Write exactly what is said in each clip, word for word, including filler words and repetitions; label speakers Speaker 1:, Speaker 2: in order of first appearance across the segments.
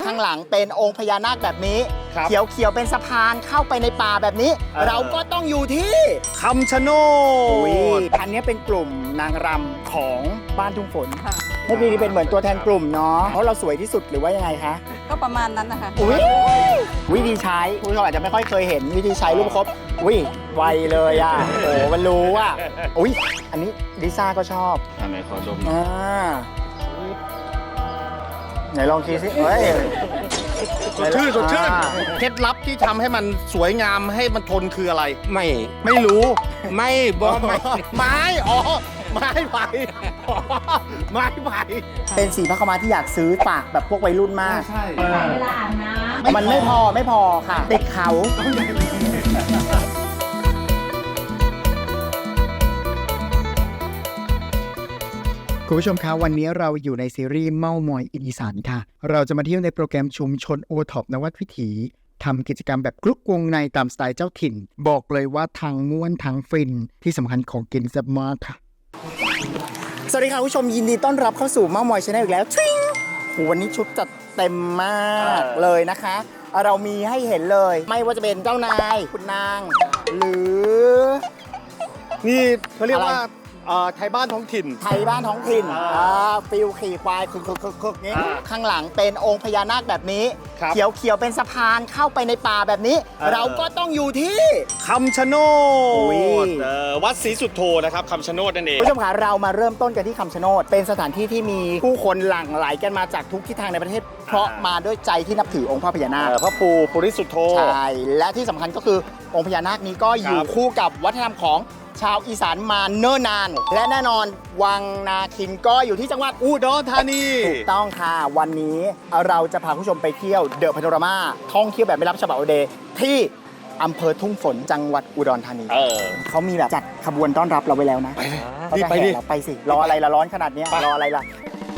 Speaker 1: ข้างหลังเป็นองค์พญานาคแบบนี้เขียวเขียวเป็นสะพานเข้าไปในป่าแบบนี้เราก็ต้องอยู่ที่
Speaker 2: คำชะโนด
Speaker 1: อันนี้เป็นกลุ่มนางรำของบ้านทุ่งฝนแม่ปีนี้เป็นเหมือนตัวแทนกลุ่มเนาะเพราะเราสวยที่สุดหรือว่ายังไงคะ
Speaker 3: ก็ประมาณนั้นนะคะ
Speaker 1: อุ้ยวิธีใช้ผู้ชมอาจจะไม่ค่อยเคยเห็นวิธีใช้ลูกประคบอุ้ยไวเลยอ่ะโอ้มันรู้อ่ะอุ้ยอันนี้ลิซ่าก็ชอบ
Speaker 2: อันไหนขอดม
Speaker 1: อ่าไหนลองคิดสิเฮ้ย
Speaker 2: สดชื่นสดชื่นเคล็ดลับที่ทำให้มันสวยงามให้มันทนคืออะไร
Speaker 4: ไม่
Speaker 2: ไม่รู้
Speaker 4: ไม่บอกไม่
Speaker 2: ไม้อ๋อไม้ไผ่ไม้ไผ่
Speaker 1: เป็นสีพระขาวม้าที่อยากซื้อฝากแบบพวกวัยรุ่นมาก
Speaker 2: ใช่
Speaker 3: เวลาอาบน้
Speaker 1: ำมันไม่พอไม่พอค่ะติดเขาคุณผู้ชมคะวันนี้เราอยู่ในซีรีส์เม่ามอยอีสานค่ะเราจะมาเที่ยวในโปรแกรมชุมชนโอท็อปนวัดวิถีทำกิจกรรมแบบกลุกวงในตามสไตล์เจ้าถิ่นบอกเลยว่าทางม่วนทางฟินที่สำคัญของกินแซ่บมากค่ะสวัสดีค่ะคุณผู้ชมยินดีต้อนรับเข้าสู่เม่ามอยชาแนลอีกแล้วชิงวันนี้ชุดจัดเต็มมากเลยนะคะเรามีให้เห็นเลยไม่ว่าจะเป็นเจ้านายคุณนางหรือ
Speaker 2: นี่เขาเรียกว่าไทยบ้านท้องถิ่น
Speaker 1: ไทยบ้านท้องถิ่นฟิลขี่ควายคึกๆๆนี้ข้างหลังเป็นองค์พญานาคแบบนี้เขียวเขียวเป็นสะพานเข้าไปในป่าแบบนี้เราก็ต้องอยู่ที่
Speaker 2: คำชะโนดวัดศรีสุโธนะครับคำชะโนดนั่นเอง
Speaker 1: ผู้ชมคะเรามาเริ่มต้นกันที่คำชะโนดเป็นสถานที่ที่มีผู้คนหลั่งไหลกันมาจากทุกทิศทางในประเทศเพราะมาด้วยใจที่นับถือองค์พระพญานาค
Speaker 2: พระปู่ปุริสุทโธ
Speaker 1: ใช่และที่สำคัญก็คือองค์พญานาคนี้ก็อยู่คู่กับวัฒนธรรมของชาวอีสานมาเนิ่นนานและแน่นอนวังนาคินก็อยู่ที่จังหวัด
Speaker 2: อุดรธานี
Speaker 1: ถูกต้องค่ะวันนี้เราจะพาผู้ชมไปเที่ยวเดอะพาโนรามาท่องเที่ยวแบบไม่รับฉบับเดย์ที่อำเภอทุ่งฝนจังหวัดอุดรธานี
Speaker 2: เออ
Speaker 1: เขามีแบบจัดขบวนต้อนรับเราไว้แล้วนะ
Speaker 2: ไปดิไปดิ
Speaker 1: ไปสิรออะไรละร้อนขนาดนี้รออะไรล่ะ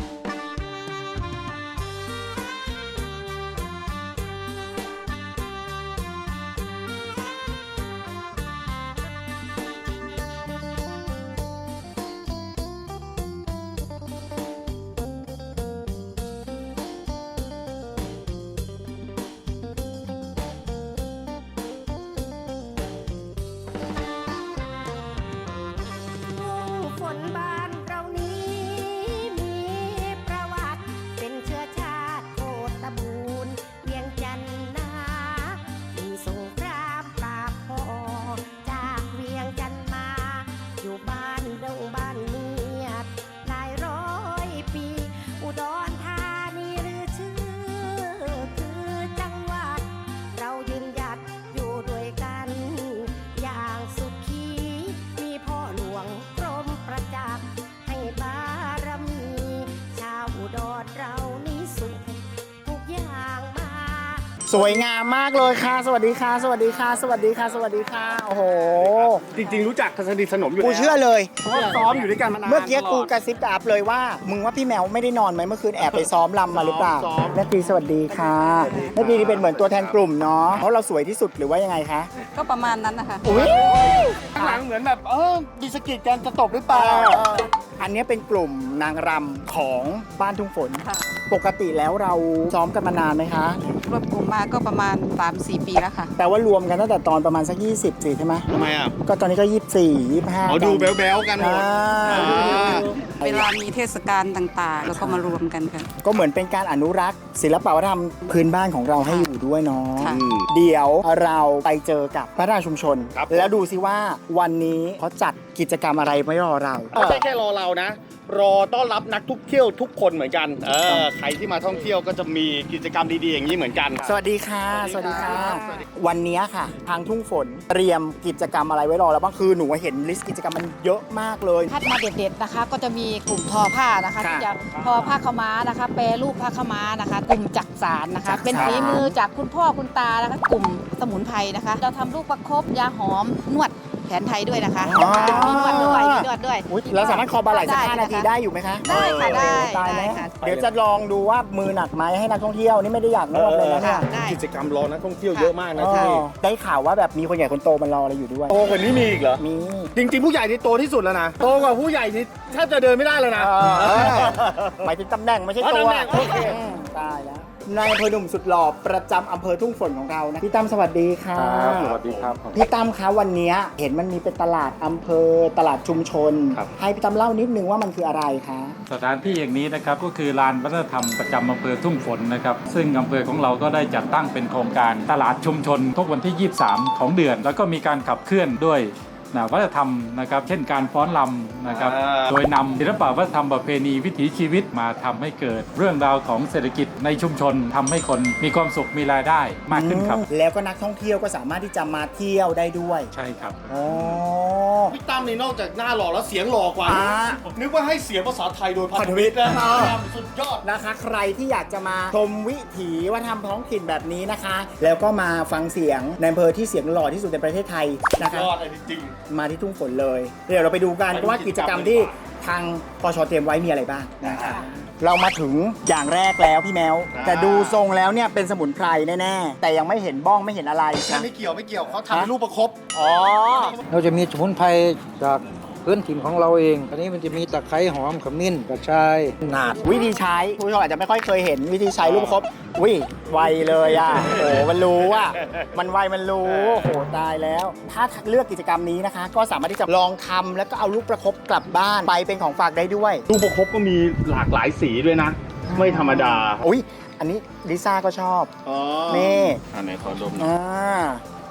Speaker 1: สวยงามมากเลยค่ะสวัสดีค่ะสวัสดีค่ะสวัสดีค่ะสวัสดีค่ะโอ้โห
Speaker 2: จริงๆรู้จักกันสนิทสนมอยู่
Speaker 1: กูเชื่อเลย
Speaker 2: เพราะว่าซ้อมอยู่ด้วยกันมานาน
Speaker 1: เมื่อกี้กูกระซิบกับอัพเลยว่ามึงว่าพี่แมวไม่ได้นอนไหมเมื่อคืนแอบไปซ้อมรำมาหรือเปล่าแม่ปีสวัสดีค่ะแม่ปีนี่เป็นเหมือนตัวแทนกลุ่มเนาะเพราะเราสวยที่สุดหรือว่ายังไงคะ
Speaker 3: ก็ประมาณนั้นนะคะ
Speaker 1: อุ้ย
Speaker 2: ข้างหลังเหมือนแบบเออดีสกิดกันจะตบหรือเปล่า
Speaker 1: อันนี้เป็นกลุ่มนางรำของบ้านทุ่งฝนปกติแล้วเราซ้อมกันมานานไหมคะ
Speaker 3: รวมกลุ่มมาก็ประมาณ สามสี่ ปีแล้วค่ะ
Speaker 1: แต่ว่ารวมกันตั้งแต่ตอนประมาณสักยี่สิบสี่ใช่ไหม
Speaker 2: ทำไมอ่ะ
Speaker 1: ก็ตอนนี้ก็ยี่สิบสี่ ยี่สิบห้า
Speaker 2: อ๋อดูแบ๊วๆกันหมด
Speaker 3: เวลามีเทศกาลต่างๆแล้วก็มารวมกันค่ะ
Speaker 1: ก็เหมือนเป็นการอนุรักษ์ศิลปวัฒนธรรมพื้นบ้านของเราให้อยู่ด้วยเนาะเดี๋ยวเราไปเจอกับพัฒนาชุมชนแล้วดูซิว่าวันนี้เขาจัดกิจกรรมอะไรไว้รอเรา
Speaker 2: ไม่ใช่แค่รอเรานะรอต้อนรับนักท่องเที่ยวทุกคนเหมือนกันเออใครที่มาท่องเที่ยวก็จะมีกิจกรรมดีๆอย่างนี้เหมือนกัน
Speaker 1: สวัสดีค่ะสวัสดีค่ะวันนี้ค่ะทางทุ่งฝนเตรียมกิจกรรมอะไรไว้รอแล้วบ้างคือหนูเห็นลิสต์กิจกรรมมันเยอะมากเลย
Speaker 5: พัดมาเด็ดๆนะคะก็จะมีกลุ่มทอผ้านะคะที่จะทอผ้าขาวม้านะคะแปรรูปผ้าขาวม้านะคะกลุ่มจักสานนะคะเป็นฝีมือจากคุณพ่อคุณตานะคะกลุ่มสมุนไพรนะคะเราทำลูกประคบยาหอมนวดแผนไทยด้วยนะคะมีนวดด้วยมีนวดด้วย
Speaker 1: แล้วสามารถคอบาไหล่สักห้านาทีได้อยู่ไหมคะ
Speaker 5: ได้ค่ะได้
Speaker 1: ตายไหมเดี๋ยวจะลองดูว่ามือหนักไหมให้นักท่องเที่ยวนี่ไม่ได้อยากนวดเลยนะเนี่ย
Speaker 2: กิจกรรมรอนักท่องเที่ยวเยอะมากนะที่
Speaker 1: ได้ข่าวว่าแบบมีคนใหญ่คนโตมันรออะไรอยู่ด้วย
Speaker 2: โตกว่านี้มีอีกเหรอ
Speaker 1: มี
Speaker 2: จริงๆผู้ใหญ่นี่โตที่สุดแล้วนะโตกว่าผู้ใหญ่นี่แทบจะเดินไม่ได้เลยนะ
Speaker 1: หมายถึงตำแหน่งไม่ใช่ตัว
Speaker 2: ตาย
Speaker 1: แล้วนายอำเภอหนุ่มสุดหล่อประจำอำเภอทุ่งฝนของเรานะพี่ตั้มสวัสดีค่ะ
Speaker 4: ครับสวัสดีครับ
Speaker 1: พี่ตั้มคะวันนี้เห็นมันมีเป็นตลาดอำเภอตลาดชุมชน
Speaker 4: ครับ
Speaker 1: ให้พี่ตั้มเล่านิดนึงว่ามันคืออะไรคะ
Speaker 4: สถานที่อย่างนี้นะครับก็คือลานวัฒนธรรมประจำอำเภอทุ่งฝนนะครับซึ่งอำเภอของเราก็ได้จัดตั้งเป็นโครงการตลาดชุมชนทุกวันที่ ยี่สิบสาม ของเดือน แล้วก็มีการขับเคลื่อนด้วยนะวัฒนธรรมนะครับเช่นการฟ้อนรำนะครับ
Speaker 2: อ่า
Speaker 4: โดยนำศิลปะวัฒนธรรมประเพณีวิถีชีวิตมาทำให้เกิดเรื่องราวของเศรษฐกิจในชุมชนทำให้คนมีความสุขมีรายได้มากขึ้นครับ
Speaker 1: อืมแล้วก็นักท่องเที่ยวก็สามารถที่จะมาเที่ยวได้ด้วย
Speaker 4: ใช่ครับ
Speaker 1: อ๋อ
Speaker 2: พี่ตั้มนี่นอกจากหน้าหล่อแล้วเสียงหล่อกว่า
Speaker 1: อ่า
Speaker 2: นึกว่าให้เสียงภาษาไทยโดยพันธมิตรนะ
Speaker 1: อ่า
Speaker 2: สุดยอด
Speaker 1: นะคะใครที่อยากจะมาชมวิถีวัฒนธรรมท้องถิ่นแบบนี้นะคะ แล้วก็มาฟังเสียงในอำเภอที่เสียงหล่อที่สุดในประเทศไทยนะคะ
Speaker 2: ยอดเลยจริง
Speaker 1: มาที่ทุ่งฝนเลย เดี๋ยวเราไปดูกัน
Speaker 2: ไปดู
Speaker 1: ว่ากิจกรรม
Speaker 2: กิจกรรม
Speaker 1: ที่ทางปชเตรียมไว้มีอะไรบ้างนะคะเรามาถึงอย่างแรกแล้วพี่แมว
Speaker 2: อ่า
Speaker 1: แต่ดูทรงแล้วเนี่ยเป็นสมุนไพรแน่ๆแต่ยังไม่เห็นบ้องไม่เห็นอะไร
Speaker 2: ๆ
Speaker 1: นะ
Speaker 2: ไม่เกี่ยวไม่เกี่ยวเขาทำเป็นรูปประคบ
Speaker 1: อ๋อ
Speaker 6: เราจะมีสมุนไพรจากพื้นถิ่นของเราเอง อันนี้มันจะมีตะไคร้หอมขมิ้นกระชายหนาด
Speaker 1: วิธีใช้ผู้ชมอาจจะไม่ค่อยเคยเห็นวิธีใช้ลูกประคบวิไวเลยอ่ะโอ้โหมันรู้อ่ะมันไวมันรู้โอ้โหตายแล้ว ถ้าเลือกกิจกรรมนี้นะคะ ก็สามารถที่จะลองทำแล้วก็เอาลูกประคบกลับบ้านไปเป็นของฝากได้ด้วย
Speaker 2: รูปประคบก็มีหลากหลายสีด้วยนะ ไม่ธรรมดา
Speaker 1: อุ้ยอันนี้ลิซ่าก็ชอบ
Speaker 2: อ๋อ
Speaker 1: นี่
Speaker 2: อันไหนขอดมหน่อย
Speaker 1: อ่า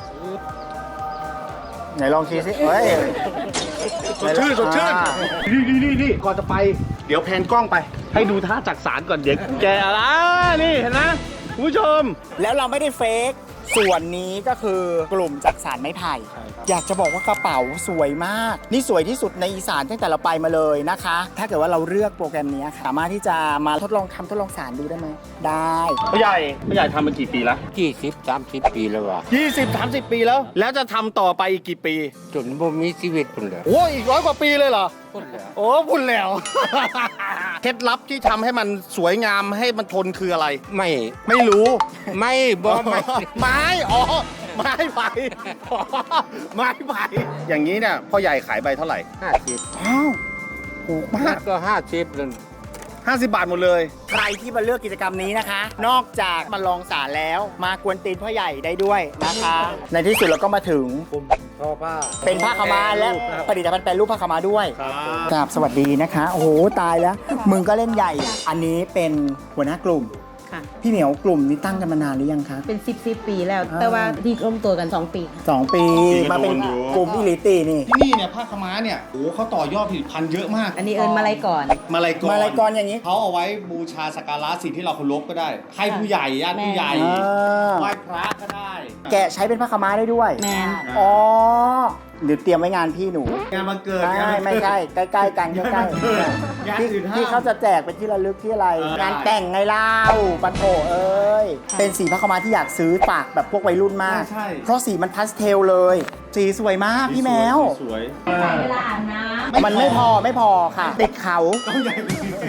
Speaker 1: ไหนลองทีสิเฮ้ย
Speaker 2: สดชื่นสดชื่น
Speaker 1: อ่า
Speaker 2: นี่นี่นี่นี่ก่อนจะไป เดี๋ยวแพนกล้องไป ให้ดูท่าจักสารก่อนเดี๋ยวแกอะไรนี่เห็นไหมคุณผู้ชม
Speaker 1: แล้วเราไม่ได้เฟกส่วนนี้ก็คือกลุ่มจักสารไม้ไผ่
Speaker 4: ใช่ครับ
Speaker 1: อยากจะบอกว่ากระเป๋าสวยมาก นี่สวยที่สุดในอีสานตั้งแต่เราไปมาเลยนะคะ ถ้าเกิดว่าเราเลือกโปรแกรมนี้ค่ะสามารถที่จะมาทดลองทำทดลองสารดูได้ไหมได้
Speaker 2: พ่อใหญ่พ่อใหญ่ทำมากี่ปีแล้ว
Speaker 6: ยี่สิบสามสิบปีแล้วว่ะ
Speaker 2: ยี่สิบสามสิบปีแล้ว แล้วจะทำต่อไปอีกกี่ปี
Speaker 6: จนบ่มีชีวิตคนเลย
Speaker 2: โอ้อีกร้อยกว่าปีเลยเหรอ
Speaker 6: คนเลย
Speaker 2: โอ้พูดแล้ว เคล็ดลับที่ทำให้มันสวยงามให้มันทนคืออะไร
Speaker 6: ไม่
Speaker 2: ไม่รู้
Speaker 6: ไม่บ่ไม่
Speaker 2: ไม้ อ๋อ ไม้ไผ่อ๋อไม้ไผ่อย่างนี้เนี่ยพ่อใหญ่ขายใบเท่าไหร่
Speaker 6: ห้าสิบ
Speaker 1: อ้าวถูกมาก
Speaker 6: ก็ห้าสิบเลย
Speaker 2: ห้าสิบบาทหมดเลย
Speaker 1: ใครที่มาเลือกกิจกรรมนี้นะคะ นอกจากมาลองสารแล้ว มากวนตีนพ่อใหญ่ได้ด้วยนะคะ ในที่สุดเราก็มาถึง
Speaker 6: กลุ่มทอผ้า
Speaker 1: เป็นผ้าขาวม้าและ
Speaker 6: รูปนะครับ
Speaker 1: ผลิตภัณฑ์แปรรูปผ้าขาวม้าด้วย
Speaker 2: ครับ
Speaker 1: กราบสวัสดีนะคะ โอ้โห ตายแล้ว มึงก็เล่นใหญ่ อันนี้เป็นหัวหน้ากลุ่ม
Speaker 7: ค่ะ
Speaker 1: พี่เหมียวกลุ่มนี้ตั้งกันมานานหรือยังคะ
Speaker 7: เป็นสิบสิบปีแล้ว
Speaker 1: อ่า
Speaker 7: แต่ว่าที่ร่วมตัวกัน สอง ปีค่ะ
Speaker 1: สองปี มาเป็นกลุ่มอิลิตีนี่
Speaker 2: ที่นี่เนี่ยผ้าขาวม้าเนี่ยโอ้เขาต่อยอดผลิตภัณฑ์เยอะมาก
Speaker 7: อันนี้เอิญมาลัยก่อน
Speaker 2: มาลายกร
Speaker 1: มาลายกรอย่างนี้
Speaker 2: เขาเอาไว้บูชาสักการะสิ่งที่เราเคารพก็ได้ ให้ผู้ใหญ่ญาติผู้ใหญ่
Speaker 1: อ่า
Speaker 2: ไหว้พระก็ได้
Speaker 1: แกะใช้เป็นผ้าขาวม้าได้ด้วย
Speaker 7: แมน
Speaker 1: อ๋อเดี๋ยวเตรียมไว้งานพี่หนู
Speaker 2: งานมาเกิด
Speaker 1: ใช่ไม่ใช่ใกล้ๆกันใกล้
Speaker 2: งาน
Speaker 1: ๆที่
Speaker 2: อื่นห้าม
Speaker 1: ที่เขาจะแจกเป็นที่ระลึกที่อะไร
Speaker 2: เออง
Speaker 1: านแต่งไงเล่าปันโถเอ้ย เป็นสีผ้าขาวม้าที่อยากซื้อฝากแบบพวกวัยรุ่นมาก
Speaker 2: ใช่
Speaker 1: เพราะสีมันพาสเทลเลย สีสวยมากพี่แมว
Speaker 2: สวย
Speaker 7: เวลาอาบน้
Speaker 1: มันไม่พอไม่พอค่ะ ติดเขา
Speaker 2: ต้องใหญ่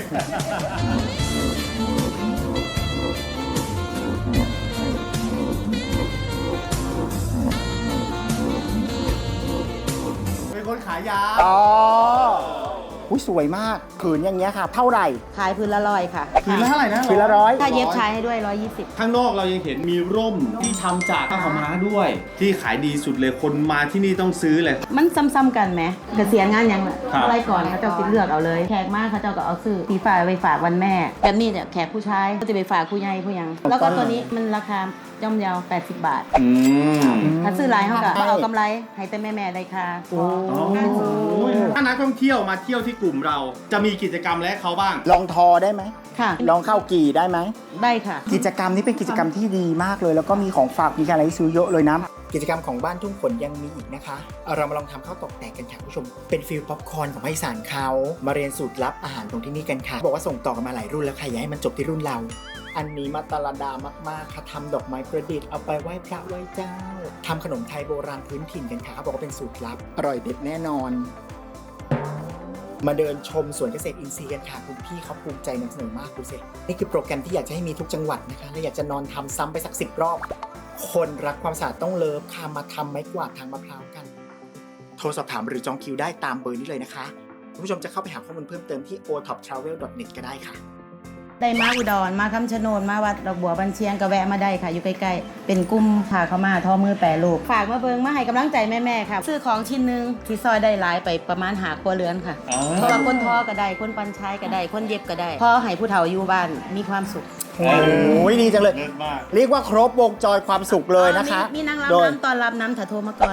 Speaker 2: เป็นคนขายยา
Speaker 1: อ๋ออุ้ยสวยมากผืนอย่างเงี้ยค่ะ เท่าไหร่
Speaker 7: ำขายพื้นละร้อยค่ะ
Speaker 2: คืนละเท่าไหร่นะ
Speaker 1: ผืนละร้อย
Speaker 7: ถ้าเย็บชายให้ด้วยร้อยยี่สิบ
Speaker 2: ข้างนอกเรายังเห็นมีร่มที่ทำจากผ้าขาวม้าด้วย ที่ขายดีสุดเลยคนมาที่นี่ต้องซื้อเลย
Speaker 7: มันซ้ำๆกันไหมเกษียณงานยังล่ะ
Speaker 2: ครับ
Speaker 7: อะไรก่อนเขาเจ้าสิเลือกเอาเลย แขกมากเขาเจ้าก็เอาซื้อสีฟ้าไปฝากวันแม่ แบบนี้เนี่ยแขกผู้ชายก็จะไปฝากผู้ใหญ่ผู้ยัง แล้วก็ตัวนี้มันราคาย่อมเยาวแปดสิบบาท
Speaker 2: อืม
Speaker 7: ถ้าซื้อหลายเขาก็เอากำไรให้แต่แม่ๆได้ค่ะ
Speaker 2: ถ้านักท่องเที่ยวมาเที่ยวที่กลุ่มเรา จะมีกิจกรรมและเขาบ้าง
Speaker 1: ลองทอได้ไหม
Speaker 7: ค่ะ
Speaker 1: ลองเข้ากี่ได้ไหม
Speaker 7: ได้ค่ะ
Speaker 1: กิจกรรมนี้เป็นกิจกรรมที่ดีมากเลย แล้วก็มีของฝากมีอะไรให้ซื้อเยอะเลยนะ กิจกรรมของบ้านทุ่งฝนยังมีอีกนะคะเอาเรามาลองทำข้าวตอกแตกกันค่ะคุณผู้ชม เป็นฟิลป๊อปคอร์นของภาคอีสานเขามาเรียนสูตรลับอาหารตรงที่นี่กันค่ะ บอกว่าส่งต่อกันมาหลายรุ่นแล้วค่ะอย่าให้มันจบที่รุ่นเรา อันนี้มาตาลดามากๆค่ะทำดอกไม้ประดิษฐ์เอาไปไหว้พระไหว้เจ้าทำขนมไทยโบราณพื้นถิ่นกันค่ะเขาบอกว่าเป็นสูตรลับอร่อยเด็ดแน่นอน มาเดินชมสวนเกษตรอินทรีย์กันค่ะคุณพี่เขาภูมิใจนำเสนอมากดูสินี่คือโปรแกรมที่อยากจะให้มีทุกจังหวัดนะคะและอยากจะนอนทำซ้ำไปสักสิบรอบ คนรักความสะอาดต้องเลิฟค่ะมาทำไม้กวาดทางมะพร้าวกัน โทรสอบถามหรือจองคิวได้ตามเบอร์นี้เลยนะคะคุณผู้ชมจะเข้าไปหาข้อมูลเพิ่มเติมที่ โอ ท็อป ทราเวล ดอท เน็ต ก็ได้ค่ะ
Speaker 7: ได้มาอุดรมาคำชะโนดมาวัดดอกบัวบันเชียงก็แวะมาได้ค่ะอยู่ใกล้ๆเป็นกลุ่มพาเขามาทอมือแปรรูปฝากมาเบิงมาให้กำลังใจแม่ๆค่ะซื้อของชิ้นหนึงที่ซอยได้หลายไปประมาณหาครัวเรือนค่ะเพราะว่าคนทอก็ได้คนปันชายก็ได้คนเย็บก็ได้พอให้ผู้เฒ่าอยู่บ้านมีความสุข
Speaker 1: โอ้ยดีจังเลย
Speaker 2: เลิศมาก
Speaker 1: เรียกว่าครบวงจรความสุขเลยนะคะ
Speaker 7: มีมีนาง
Speaker 1: โด
Speaker 7: รำ
Speaker 1: ย
Speaker 7: น้ำตอนรับน้ำถาโทรมาก่อน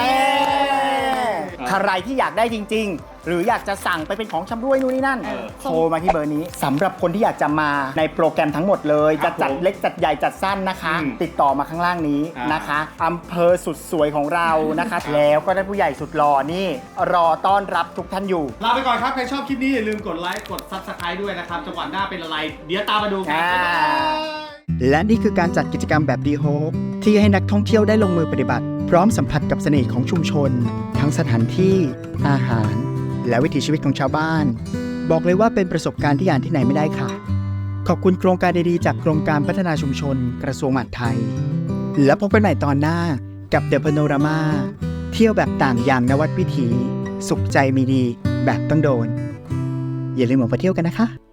Speaker 1: ใครที่อยากได้จริง ๆ หรืออยากจะสั่งไปเป็นของชำร่วยนู่นนี่นั่น
Speaker 7: เออ
Speaker 1: โทรมาที่เบอร์นี้สำหรับคนที่อยากจะมาในโปรแกรมทั้งหมดเลย
Speaker 2: ครั
Speaker 1: จะ
Speaker 2: บ
Speaker 1: จัด
Speaker 2: ผม
Speaker 1: เล็กจัดใหญ่จัดสั้นนะคะ
Speaker 2: อืม
Speaker 1: ติดต่อมาข้างล่างนี้
Speaker 2: อ่าน
Speaker 1: นะคะอำเภอสุดสวยของเรานะคะ แล้วก็ได้ผู้ใหญ่สุดหล่อนี่ รอต้อนรับทุกท่านอยู่
Speaker 2: ลาไปก่อนครับ ใครชอบคลิปนี้อย่าลืมกดไลค์กด ซับสไครบ์ ด้วยนะครับจังหวะหน้าเป็นอะไร เดี๋ยวตามมาดูกัน
Speaker 1: อ่า
Speaker 2: บ๊ายบาย
Speaker 1: และนี่คือการจัดกิจกรรมแบบดีโฮปที่ให้นักท่องเที่ยวได้ลงมือปฏิบัติ พร้อมสัมผัสกับเสน่ห์ของชุมชน ทั้งสถานที่ อาหาร และวิถีชีวิตของชาวบ้าน บอกเลยว่าเป็นประสบการณ์ที่อ่านที่ไหนไม่ได้ค่ะ ขอบคุณโครงการดีๆจากโครงการพัฒนาชุมชน กระทรวงมหาดไทย แล้วพบกันใหม่ตอนหน้ากับ The Panorama เที่ยวแบบต่างอย่างนวัดวิถี สุขใจมีดีแบบต้องโดน อย่าลืมออกไปเที่ยวกันนะคะ